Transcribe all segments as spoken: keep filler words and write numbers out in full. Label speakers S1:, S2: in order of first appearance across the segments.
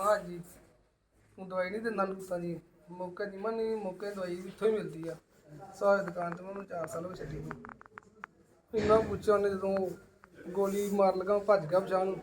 S1: ਹਾਂਜੀ ਉਹ ਦਵਾਈ ਨਹੀਂ ਦਿੰਦਾ ਲੂਤਾਂ ਜੀ ਮੌਕੇ ਦੀ ਮਨ ਨਹੀਂ ਮੌਕੇ ਦਵਾਈ ਇੱਥੋਂ ਹੀ ਮਿਲਦੀ ਆ ਸਾਰੀ ਦੁਕਾਨ ਤੇ ਮੈਨੂੰ ਚਾਰ ਸਾਲ ਹੋ ਗਏ ਛੱਡੀ ਨੂੰ ਇੰਨਾ ਪੁੱਛਿਆ ਉਹਨੇ ਜਦੋਂ ਗੋਲੀ ਮਾਰ ਲਗਾ ਭੱਜ ਗਿਆ ਬਚਾਅ ਨੂੰ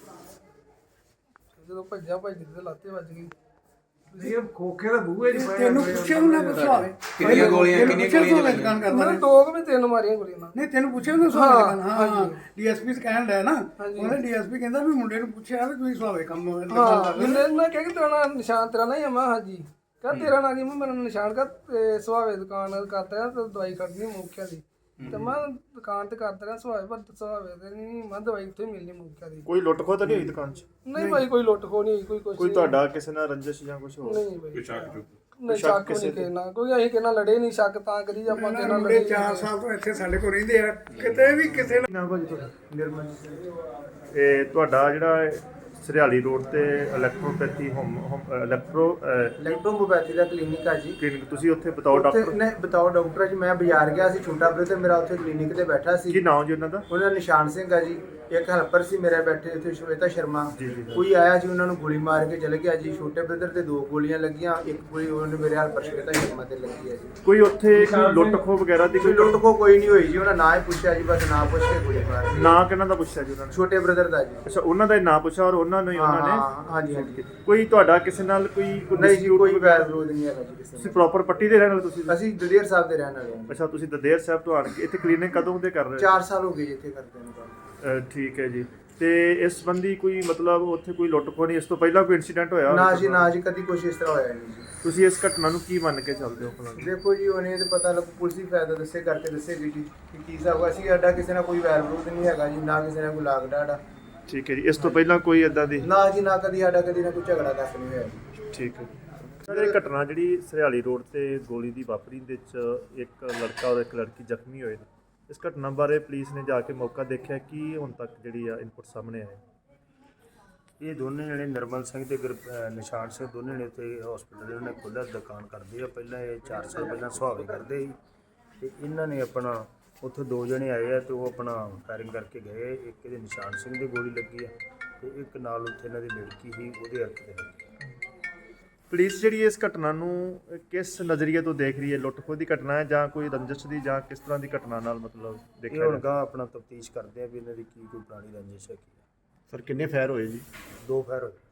S1: ਜਦੋਂ ਭੱਜਿਆ ਭੱਜਦੇ ਤੇ ਲਾਤੇ ਵੱਜ ਗਈ
S2: ਇਹ ਖੋਖੇ ਦਾ ਬੂਹੇ ਨਹੀਂ ਪਾਇਆ
S3: ਤੈਨੂੰ ਪੁੱਛਿਆ ਉਹਨਾਂ ਪੁੱਛਿਆ
S4: ਕਿੰਨੀਆਂ ਗੋਲੀਆਂ ਕਿੰਨੀਆਂ ਗੋਲੀਆਂ
S3: ਦੁਕਾਨ ਕਰਦਾ
S1: ਮੈਨੂੰ ਦੋ ਕੁ ਵੀ ਤਿੰਨ ਮਾਰੀਆਂ ਗੋਲੀਆਂ ਨਾਲ
S3: ਨਹੀਂ ਤੈਨੂੰ ਪੁੱਛਿਆ ਉਹਨੇ ਸਵਾਲ ਹਾਂ ਹਾਂ ਡੀਐਸਪੀ ਕਹਿਣ ਡਿਆ ਨਾ ਉਹਨੇ ਡੀਐਸਪੀ ਕਹਿੰਦਾ ਵੀ ਮੁੰਡੇ ਨੂੰ ਪੁੱਛਿਆ ਵੀ ਤੁਸੀਂ ਸੁਆਵੇ ਕੰਮ
S1: ਹਾਂ ਮੈਨੂੰ ਮੈਂ ਕਿਹਾ ਕਿ ਤੇਰਾ ਨਾਂ ਨਿਸ਼ਾਨ ਤੇਰਾ ਨਹੀਂ ਆ ਮੈਂ ਹਾਂਜੀ ਕਹ ਤੇਰਾ ਨਾਂ ਕੀ ਮੈਂ ਮੇਰਾ ਨਿਸ਼ਾਨ ਕਰ ਸੁਹਾਵੇ ਦੁਕਾਨ ਕਰਦਾ ਤੇ ਦਵਾਈ ਖੜਨੀ ਮੌਕਿਆਂ ਦੀ ਤੇ ਮੈਂ ਦੁਕਾਨ ਤੇ ਕਰਦਾ ਰਿਹਾ ਸੁਹਾਵੇ ਪਰ ਸੁਹਾਵੇ ਤੇ ਨਹੀਂ ਮੈਂ ਦਵਾਈ ਉੱਥੇ ਮਿਲਣੀ ਮੌਕਿਆਂ ਦੀ
S5: ਕੋਈ ਲੁੱਟ ਖੋਹ ਤਾਂ ਨਹੀਂ ਹੋਈ ਦੁਕਾਨ 'ਚ?
S1: ਨਹੀਂ ਭਾਈ ਕੋਈ ਲੁੱਟ ਖੋ ਨਹੀਂ ਕੋਈ ਕੁਛ
S5: ਕੋਈ ਤੁਹਾਡਾ ਕਿਸੇ ਨਾਲ ਰੰਜਿਸ਼ ਜਾਂ ਕੁਝ ਹੋਰ?
S1: ਨਹੀਂ ਭਾਈ ਨਹੀਂ ਸ਼ੱਕ ਨਹੀਂ ਕਹਿਣਾ ਕੋਈ ਅਸੀਂ ਕਿਹਨਾਂ ਲੜੇ ਨਹੀਂ ਸ਼ੱਕ ਤਾਂ ਕਰੀ ਆਪਾਂ ਕਿਹਨਾਂ
S3: ਮੁੰਡੇ
S1: ਲੜੇ
S3: ਚਾਰ ਸਾਲ ਤੋਂ ਇੱਥੇ ਸਾਡੇ ਕੋਲ ਰਹਿੰਦੇ ਆ ਕਿਤੇ ਵੀ ਕਿਸੇ ਨਾਲ
S5: ਨਾ ਭਾਜੀ ਤੁਹਾਡਾ ਨਿਰਮਲ ਇਹ ਤੁਹਾਡਾ ਜਿਹੜਾ ਸਰਿਆਲੀ ਰੋਡ ਤੇ ਇਲੈਕਟ੍ਰੋਪੈਥੀ ਹੋਮ ਇਲੈਕਟ੍ਰੋ
S6: ਇਲੈਕਟ੍ਰੋਮੋਪੈਥੀ ਦਾ ਕਲੀਨਿਕ ਆ ਜੀ
S5: ਕਲੀਨਿਕ ਤੁਸੀਂ ਉੱਥੇ ਬਤਾਓ
S6: ਉੱਥੇ
S5: ਡਾਕਟਰ
S6: ਨਹੀਂ ਬਤਾਓ ਡਾਕਟਰ ਜੀ ਮੈਂ ਬਾਜ਼ਾਰ ਗਿਆ ਸੀ ਛੋਟਾ ਬ੍ਰਦਰ ਮੇਰਾ ਉੱਥੇ ਕਲੀਨਿਕ ਤੇ ਬੈਠਾ ਸੀ
S5: ਕੀ ਨਾਮ ਜੀ ਉਹਨਾਂ ਦਾ?
S6: ਉਹਨਾਂ ਦਾ ਨਿਸ਼ਾਨ ਸਿੰਘ ਆ ਜੀ ਇੱਕ ਹੈਲਪਰ ਸੀ ਮੇਰੇ ਬੈਠੇ ਉੱਥੇ ਸ਼ਵੇਤਾ ਸ਼ਰਮਾ
S5: ਜੀ, ਜੀ, ਜੀ।
S6: ਕੋਈ ਆਇਆ ਜੀ ਉਹਨਾਂ ਨੂੰ ਗੋਲੀ ਮਾਰ ਕੇ ਚਲੇ ਗਿਆ ਜੀ ਛੋਟੇ ਬ੍ਰਦਰ ਤੇ ਦੋ ਗੋਲੀਆਂ ਲੱਗੀਆਂ ਇੱਕ ਗੋਲੀ ਉਹਨੇ ਮੇਰੇ ਹੈਲਪਰ ਸ਼ਵੇਤਾ ਸ਼ਰਮਾ ਤੇ ਲੱਗੀ ਹੈ ਜੀ
S5: ਕੋਈ ਉੱਥੇ ਕੋਈ ਲੁੱਟ ਖੋਹ ਵਗੈਰਾ ਦੀ
S6: ਕੋਈ
S5: ਕੋਈ
S6: ਲੁੱਟ ਕੋ ਕੋਈ ਨਹੀਂ ਹੋਈ ਜੀ ਉਹਨਾਂ ਨਾ ਹੀ ਪੁੱਛਿਆ ਜੀ ਬਸ ਨਾ ਪੁੱਛ ਕੇ ਗੋਲੀ ਮਾਰ ਦਿੱਤੀ।
S5: ਨਾਂ ਕਿਹਨਾਂ ਦਾ ਪੁੱਛਿਆ ਜੀ ਉਹਨਾਂ ਨੇ?
S6: ਛੋਟੇ ਬ੍ਰਦਰ ਦਾ ਜੀ
S5: ਅੱਛਾ ਉਹਨਾਂ ਦਾ ਹੀ ਨਾਂ ਪੁੱਛਿਆ ਔਰ ਉਹਨਾਂ ਨੂੰ ਹੀ ਉਹਨਾਂ ਨੇ
S6: ਹਾਂ ਹਾਂਜੀ ਹਾਂਜੀ
S5: ਕੋਈ ਤੁਹਾਡਾ ਕਿਸੇ ਨਾਲ ਕੋਈ
S6: ਨਹੀਂ ਜੀ ਕੋਈ ਵੈਰ ਵਿਰੋਧ ਨਹੀਂ ਹੈਗਾ ਜੀ ਕਿਸੇ
S5: ਤੁਸੀਂ
S6: ਨਾਲ।
S5: ਪ੍ਰੋਪਰ ਪੱਟੀ ਦੇ ਰਹਿਣ ਵਾਲੇ ਤੁਸੀਂ?
S6: ਅਸੀਂ ਦਲੇਰ ਸਾਹਿਬ ਦੇ ਰਹਿਣ ਵਾਲੇ ਹਾਂ
S5: ਅੱਛਾ ਤੁਸੀਂ ਦਦੇਰ ਸਾਹਿਬ ਤੋਂ ਆਣ ਕੇ ਇੱਥੇ ਕਲੀਨਿਕ ਕਦੋਂ ਦੇ ਕਰ ਰਹੇ ਹੋ?
S6: ਚਾਰ ਸਾਲ ਹੋ ਗਏ ਜੀ ਇੱਥੇ ਕਰਦੇ ਨੇ ਕੰਮ।
S5: ਅਹ ਠੀਕ ਹੈ ਜੀ ਤੇ ਇਸ ਸੰਬੰਧੀ ਕੋਈ ਮਤਲਬ ਉੱਥੇ ਕੋਈ ਲੁੱਟ ਖੋਹ ਨਹੀਂ ਇਸ ਤੋਂ ਪਹਿਲਾਂ ਕੋਈ ਇਨਸੀਡੈਂਟ ਹੋਇਆ?
S6: ਨਾ ਜੀ ਨਾ ਜੀ ਕਦੀ ਕੁਛ ਇਸ ਤਰ੍ਹਾਂ ਹੋਇਆ ਨਹੀਂ ਜੀ।
S5: ਤੁਸੀਂ ਇਸ ਘਟਨਾ ਨੂੰ ਕੀ ਮੰਨ ਕੇ ਚੱਲਦੇ ਹੋ ਭਲਾ?
S6: ਦੇਖੋ ਜੀ ਉਹਨੇ ਤੇ ਪਤਾ ਲੱਗ ਪੁਲਿਸ ਹੀ ਫਾਇਦਾ ਦੱਸੇ ਕਰਕੇ ਦੱਸੇਗੀ ਜੀ ਕਿ ਕੀ ਹਿਸਾਬ ਅਸੀਂ ਸਾਡਾ ਕਿਸੇ ਨਾਲ ਕੋਈ ਵੈਰ ਵਿਰੋਧ ਨਹੀਂ ਹੈਗਾ ਜੀ ਨਾ ਕਿਸੇ ਨਾਲ ਕੋਈ ਲਾਗ ਡਾੜਾ
S5: ਠੀਕ ਹੈ ਜੀ ਇਸ ਤੋਂ ਪਹਿਲਾਂ ਕੋਈ ਇਦਾਂ ਦੀ?
S6: ਨਾ ਜੀ ਨਾ ਕਦੀ ਸਾਡਾ ਕਦੀ ਨਾ ਕੋਈ ਝਗੜਾ ਤੱਕ ਨਹੀਂ ਹੋਇਆ ਜੀ।
S5: ਠੀਕ ਹੈ ਸਰ ਇਹ ਘਟਨਾ ਜਿਹੜੀ ਸਰਿਆਲੀ ਰੋਡ ਤੇ ਗੋਲੀ ਦੀ ਵਾਪਰੀ ਦੇ ਵਿੱਚ ਇੱਕ ਲੜਕਾ ਔਰ ਇੱਕ ਲੜਕੀ ਜ਼ਖਮੀ ਹੋਏ ਨੇ ਇਸ ਘਟਨਾ ਬਾਰੇ ਪੁਲਿਸ ਨੇ ਜਾ ਕੇ ਮੌਕਾ ਦੇਖਿਆ ਕੀ ਹੁਣ ਤੱਕ ਜਿਹੜੀ ਆ ਇਨਪੁਟ ਸਾਹਮਣੇ ਆਏ?
S7: ਇਹ ਦੋਨੇ ਜਣੇ ਨਿਰਮਲ ਸਿੰਘ ਤੇ ਗੁਰ- ਅਹ ਨਿਸ਼ਾਨ ਸਿੰਘ ਦੋਨੇ ਨੇ ਉੱਥੇ ਹਸਪੀਟਲ ਉਹਨਾਂ ਨੇ ਖੁੱਲ੍ਹਾ ਦੁਕਾਨ ਕਰਦੇ ਆ ਪਹਿਲਾਂ ਇਹ ਚਾਰ ਸਾਲ ਪਹਿਲਾਂ ਸੁਹਾਵੇ ਕਰਦੇ ਸੀ ਤੇ ਇਹਨਾਂ ਨੇ ਆਪਣਾ ਉੱਥੇ ਦੋ ਜਣੇ ਆਏ ਆ ਤੇ ਉਹ ਆਪਣਾ ਫਾਇਰਿੰਗ ਕਰਕੇ ਗਏ ਇੱਕ ਇਹਦੇ ਨਿਸ਼ਾਨ ਸਿੰਘ ਦੀ ਗੋਲੀ ਲੱਗੀ ਆ ਤੇ ਇੱਕ ਨਾਲ ਉੱਥੇ ਇਹਨਾਂ ਦੀ ਲੜਕੀ ਸੀ ਉਹਦੇ ਹੱਥ ਤੇ ਲੱਗੀ।
S5: ਪੁਲਿਸ ਜਿਹੜੀ ਇਸ ਘਟਨਾ ਨੂੰ ਕਿਸ ਨਜ਼ਰੀਏ ਤੋਂ ਦੇਖ ਰਹੀ ਹੈ? ਲੁੱਟ ਖੋਹ ਦੀ ਘਟਨਾ ਹੈ ਜਾਂ ਕੋਈ ਰੰਜਿਸ਼ ਦੀ ਜਾਂ ਕਿਸ ਤਰ੍ਹਾਂ ਦੀ ਘਟਨਾ ਨਾਲ ਮਤਲਬ
S7: ਇਹ
S5: ਦੇਖਿਆ
S7: ਹੁਣ
S5: ਜਾ
S7: ਗਾਂ ਆਪਣਾ ਤਫਤੀਸ਼ ਕਰਦੇ ਆ ਵੀ ਇਹਨਾਂ ਦੀ ਕੀ ਕੋਈ ਪੁਰਾਣੀ ਰੰਜਿਸ਼ ਹੈ ਕੀ ਆ।
S4: ਸਰ ਕਿੰਨੇ ਫਾਇਰ ਹੋਏ ਜੀ?
S7: ਦੋ ਫਾਇਰ ਹੋਏ।